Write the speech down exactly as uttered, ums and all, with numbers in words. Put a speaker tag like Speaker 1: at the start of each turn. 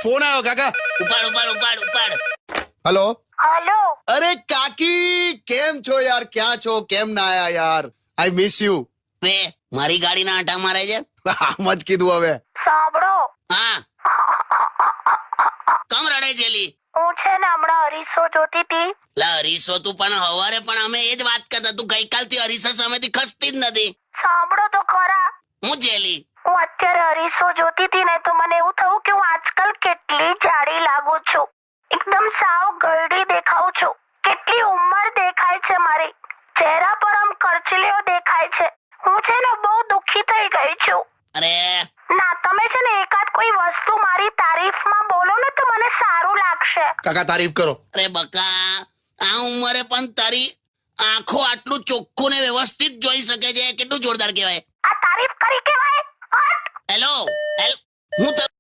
Speaker 1: Phone આવ્યો કાકા.
Speaker 2: ઉપાડ ઉપાડ ઉપાડ ઉપાડ.
Speaker 1: હેલો.
Speaker 3: हेलो
Speaker 1: અરે કાકી કેમ છો યાર, ક્યાં છો, કેમ ના આયા યાર? I miss you.
Speaker 2: બે મારી ગાડીના આંટા મારે છે.
Speaker 1: આમ જ કીધું હવે.
Speaker 3: સાંભળો,
Speaker 2: હા કમ રડે જેલી?
Speaker 3: હું છે ને હમણાં અરીસો જોતી હતી.
Speaker 2: લા હરીસો તું પણ હવારે પણ અમે એ જ વાત કરતા, તું ગઈકાલથી હરીસા સામેથી ખસતી જ નથી.
Speaker 3: સાંભળો તો ખરા,
Speaker 2: હું જેલી?
Speaker 3: હું અત્યારે અરીસો જોતી હતી ને તો મને એવું થયું કે હું આજકાલ કેટલી જાડી લાગુ છું. એકદમ સાવ ગરડી દેખાઉં છું. કેટલી ઉંમર દેખાય છે મારી. ચહેરા પર આમ કરચલીઓ દેખાય છે. હું છે ને બહુ દુઃખી થઈ ગઈ છું.
Speaker 2: અરે
Speaker 3: ના, તમે છે ને એકાદ કોઈ વસ્તુ મારી તારીફમાં બોલો ને તો મને સારું લાગશે.
Speaker 1: કાકા તારીફ કરો.
Speaker 2: અરે બકા, આ ઉંમરે પણ તારી આંખો આટલું ચોખ્ખું ને વ્યવસ્થિત જોઈ શકે છે, કેટલું જોરદાર કહેવાય.
Speaker 3: આ તારીફ કરી કેવાય? હટ!
Speaker 2: હેલો હેલો હું